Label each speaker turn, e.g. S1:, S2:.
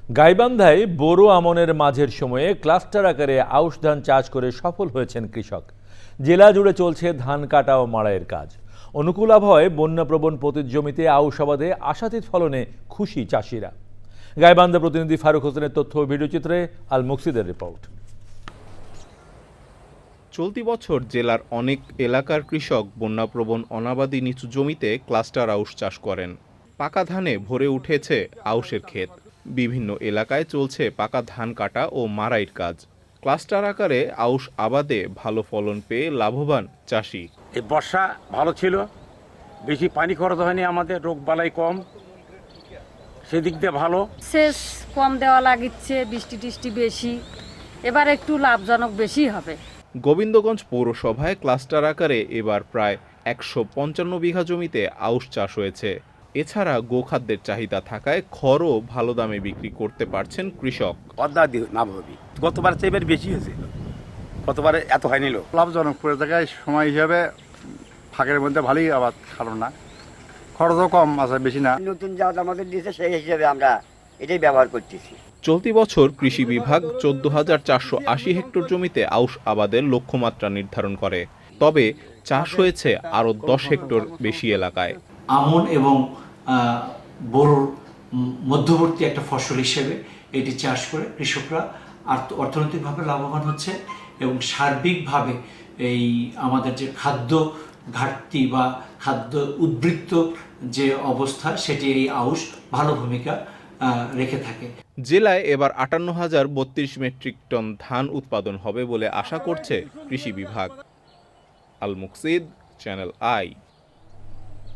S1: গাইবান্ধায় বোরো আমনের মাঝের সময়ে ক্লাস্টার আকারে আউশ ধান চাষ করে সফল হয়েছেন কৃষক। জেলা জুড়ে চলছে ধান কাটা ও মাড়াইয়ের কাজ। অনুকূল আবহাওয়ায় বন্যাপ্রবণ পতিত জমিতে আউশ আবাদে আশাতীত ফলনে খুশি চাষিরা। গাইবান্ধা প্রতিনিধি ফারুক হোসেনের তথ্য ও ভিডিওচিত্রে আল মুকসিদের রিপোর্ট।
S2: চলতি বছর জেলার অনেক এলাকার কৃষক বন্যাপ্রবণ অনাবাদি নিচু জমিতে ক্লাস্টার আউশ চাষ করেন। পাকা ধানে ভরে উঠেছে আউশের ক্ষেত। বিভিন্ন এলাকায় চলছে পাকা ধান কাটা ও মাড়াইয়ের কাজ। ক্লাস্টার আকারে আউশ আবাদে ভালো ফলন পেয়ে লাভবান চাষি।
S3: এই বর্ষা ভালো ছিল, বেশি পানি খরচ হয়নি, আমাদের রোগ বালাই কম, সেদিক দিয়ে ভালো।
S4: সেচ কম দেওয়া লাগিচ্ছে, বৃষ্টি টিষ্টি বেশি, এবার একটু লাভজনক বেশি হবে।
S2: গোবিন্দগঞ্জ পৌরসভায় ক্লাস্টার আকারে এবার প্রায় 155 বিঘা জমিতে আউশ চাষ হয়েছে। এছাড়া গোখাদ্যের চাহিদা থাকায় খড়ও ভালো দামে বিক্রি করতে পারছেন কৃষক।
S3: গতবার চেয়ে এবার বেশি হয়েছে, গতবারে এত হয়নি।
S5: লাভজনক পুরো জায়গায় সময় হিসাবে ফাঁকের মধ্যে ভালোই আবাদ, কারণ না খরচও কম আছে, বেশি না।
S6: নতুন জাত আমাদের দিয়েছে, সেই হিসেবে আমরা এটাই ব্যবহার করতেছি।
S2: চলতি বছর কৃষি বিভাগ 14,480 হেক্টর জমিতে আউশ আবাদের লক্ষ্যমাত্রা নির্ধারণ করে। তবে চাষ হয়েছে আরও 10 হেক্টর বেশি এলাকায়।
S7: আমন এবং বোরোর মধ্যবর্তী একটা ফসল হিসেবে এটি চাষ করে কৃষকরা অর্থনৈতিকভাবে লাভবান হচ্ছে এবং সার্বিকভাবে এই আমাদের যে খাদ্য ঘাটতি বা খাদ্য উদ্বৃত্ত যে অবস্থা, সেটি এই আউশ ভালো ভূমিকা রেখে থাকে।
S2: জেলায় এবার 58,032 মেট্রিক টন ধান উৎপাদন হবে বলে আশা করছে কৃষি বিভাগ। Al Muksid, channel I.